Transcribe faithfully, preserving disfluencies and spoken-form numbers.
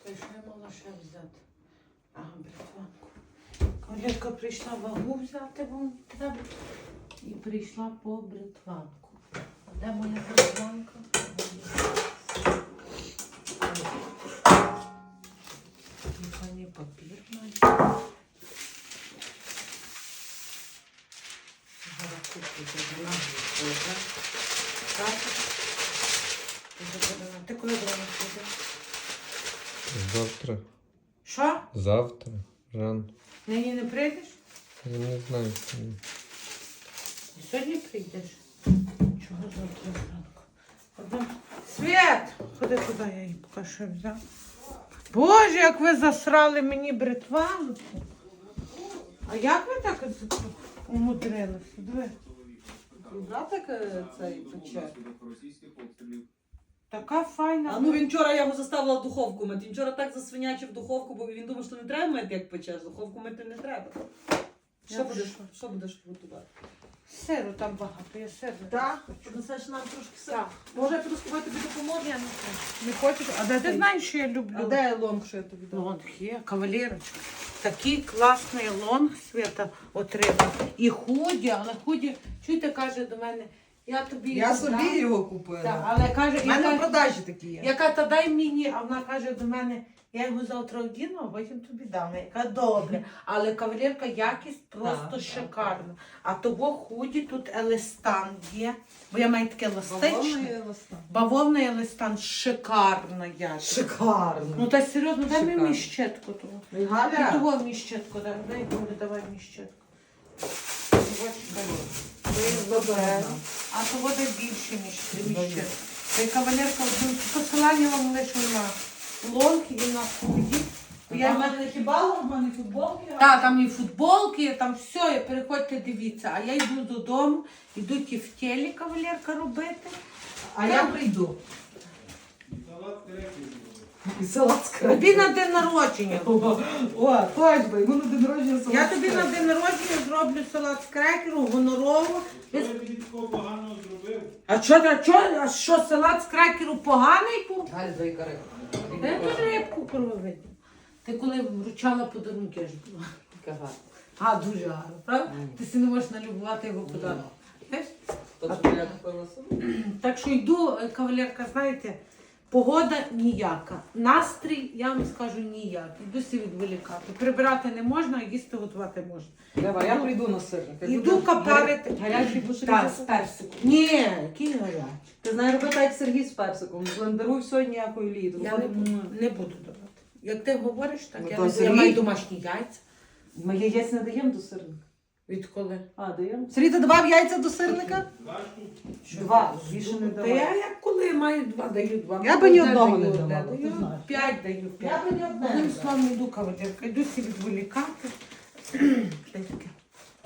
Чекай, що я мала ще взяти? Ага, бритванку. Колірка прийшла вагу взяти, бо треба. І прийшла по бритванку. А де моя бритванка? Механі папір навіть. Зараз куплю забрала. Ти коли до нас підеш? Завтра. Що? Завтра. Рано. Нині не прийдеш? Я не знаю. Сьогодні прийдеш? Чого завтра зранку? Одна... Світ! Ходи туди, я її поки що взяв. Боже, як ви засрали мені бритванку. А як ви так умудрилися? Диви. Да, так цей пече. Така файна. А ну він вчора я його заставила в духовку мити. Він вчора так засвинячив духовку, бо він думав, що не треба мити, як печеш. Духовку мити не треба. Що Я будеш, що? що будеш готувати? Сиру там багато, я сир. Так? Принесеш нам трошки сиру? Так. Може я піду з тобою тобі допоможу? Я не хочу. Не хочеш? А де ти знаєш, що я люблю? А де лонг, що я тобі дам? Лонг є, кавалерочка. Такий класний лонг Свята отримав. І худі, але худі, чуєте, каже до мене, я тобі Я дам. собі його купила. Так, але каже, У мене в яка, продажі такі є. яка та дай мені, а вона каже до мене, я його завтра одіну, а потім тобі дам. Я яка добре. Але кавалерка, якість просто Так, шикарна. А того худі тут елестан є, бо я маю таке еластичне. Бавовна листа. Бавовна елестан, шикарна якість. Шикарно. Ну та серйозно, дай мені Шикарно. міщетку того. Ну, і І Галя, того міщетку, дай, дай мені, давай міщетку. А того дай більше, ніж три міщетку. Та й кавалерка, посилання вам лише на лонг і на худі. Я в мене не хіба, в мене футболки. Так, там і футболки, там все, переходьте, дивіться. А я йду додому, йду ті в тілі кавалерка робити. а я прийду. І салат з крекером. Тобі на день народження. О, точно, йому на день народження салат Я з тобі на крекером. день народження зроблю салат з крекеру, гонорово. Що я тобі такого поганого зробив? А що, а що, а що салат з крекеру поганий був? Галь, дай кари. Де тут рибку крововидно? Ти коли вручала подарунки, аж була. Кага. А, дуже гарно, правда? Ти си не можеш налюбувати його подарунок. Знаєш? Точно я купила собі. Так що йду, е, кавалерка, знаєте, погода ніяка. Настрій, я вам скажу, ніяк. Йду си відволікати. Прибирати не можна, а їсти готувати можна. Давай, я прийду на сирник. Я Йду буду капарити. Гарячий будеш Так, різати? з персиком. Ні, який гарячий. Ти знаєш робити як Сергій з персиком. Блендеруй все, ніякої ліду. Я не буду, не буду давати. Як ти говориш, так Ну, я, то не буду. Я Сергій- маю домашні яйця. Ми яєць не даємо до сирника. Відколи? А, даємо? Сергій, ти давав яйця до сирника? Два штуки. Два, більше не Та давай. я як коли маю два, даю два. Я би ні Одне одного даю, не одне давала, ти даю, знаєш. П'ять даю, п'ять. Я би ні одне не Одним дала. словом, йду кавалерка, йду всі відволікати. Та й таке.